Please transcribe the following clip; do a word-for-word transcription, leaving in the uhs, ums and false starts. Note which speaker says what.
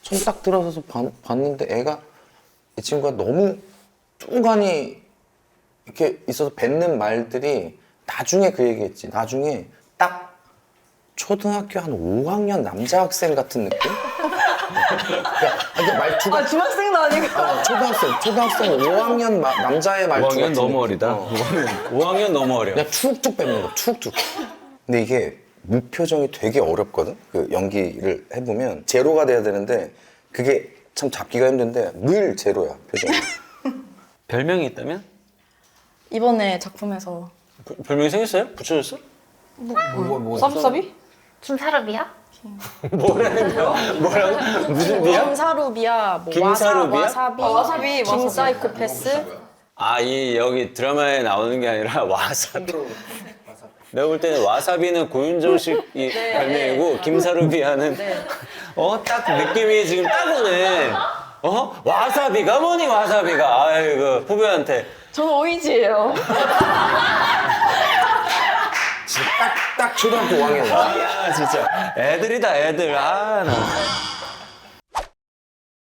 Speaker 1: 손 딱 들어서서 봐- 봤는데 애가 이 친구가 너무 뚱간이 이렇게 있어서 뱉는 말들이 나중에 그 얘기했지. 나중에 딱 초등학교 한 오 학년 남자 학생 같은 느낌? 그러니까 말투가
Speaker 2: 아 중학생도 아니고.
Speaker 1: 어, 초등학생, 초등학생 오 학년 마- 남자의 말투
Speaker 3: 오 학년
Speaker 1: 같은
Speaker 3: 너무
Speaker 1: 느낌.
Speaker 3: 어리다.
Speaker 1: 어.
Speaker 3: 오 학년 너무 어려.
Speaker 1: 그냥 툭툭 뱉는 거, 툭툭. 근데 이게 무표정이 되게 어렵거든? 그 연기를 해보면 제로가 돼야 되는데 그게 참 잡기가 힘든데 늘 제로야, 표정이.
Speaker 3: 별명이 있다면?
Speaker 2: 이번에 작품에서
Speaker 3: 그- 별명이 생겼어요? 붙여줬어?
Speaker 2: 서비서비?
Speaker 4: 김사루비야?
Speaker 3: 뭐라는 거야? 뭐라고? 무슨 비야?
Speaker 2: 김사루비야, 뭐
Speaker 3: 김사루비야?
Speaker 2: 와사, 와사비,
Speaker 4: 아, 와사비,
Speaker 2: 김사이코패스.
Speaker 3: 아, 이 여기 드라마에 나오는 게 아니라 와사비. 내가 볼 때는 와사비는 고윤정식이 별명이고 김사루비아는 어, 딱 느낌이 지금 딱 오네. 어? 와사비가 뭐니 와사비가. 아이고 후배한테
Speaker 2: 저는 오이지예요.
Speaker 1: 진짜 딱, 딱 초등학교 오 학년이야.
Speaker 3: 아 진짜 애들이다 애들. 아 나.